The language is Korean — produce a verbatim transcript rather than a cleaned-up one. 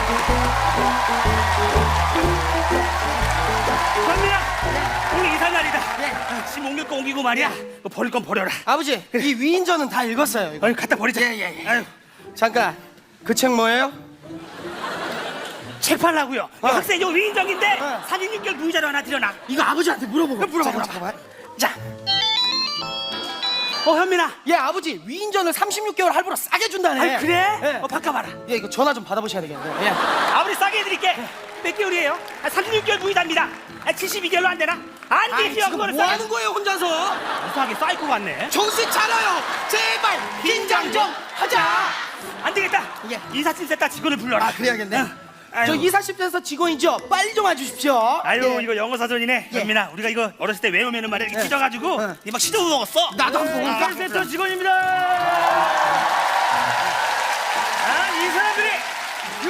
현민아, 오늘 이사 날이다. 네. 아, 짐 옮길 거 옮기고 말이야. 너 버릴 건 버려라. 아버지, 이 위인전은 다 읽었어요. 이거. 아니, 갖다 버리자. 예, 예, 예. 아유, 잠깐, 그 책 뭐예요? 책 팔라고요. 어. 학생 이거 위인정인데 어. 사진 육 개월 무이자로 하나 드려놔. 이거 아버지한테 물어보고. 물어봐, 잠깐, 물어봐. 잠깐만. 자. 어, 현민아. 예, 아버지, 위인전을 삼십육 개월 할부로 싸게 준다네. 아, 그래? 예. 어, 바꿔봐라. 예, 이거 전화 좀 받아보셔야 되겠네요. 예. 아무리 싸게 해드릴게. 몇 개월이에요? 아, 삼십육 개월 무이자입니다. 아, 칠십이 개월로 안 되나? 안 아이, 되지요. 지금 그거는 뭐 싸게. 하는 거예요, 혼자서? 이상하게 사이코 같네. 정신 차려요. 제발 긴장 좀 하자. 안 되겠다. 예. 이사짐센터 직원을 불러라. 아, 그래야겠네. 어. 아유. 저 이사십센터 직원이죠? 빨리 좀 와주십시오. 아유, 예. 이거 영어 사전이네. 예. 현민아, 우리가 이거 어렸을 때 외우면은 말이야 이렇게 예. 찢어가지고 어. 이막 시도 먹었어. 나도 한번 먹을까? 이사센터 직원입니다. 아, 이 사람들이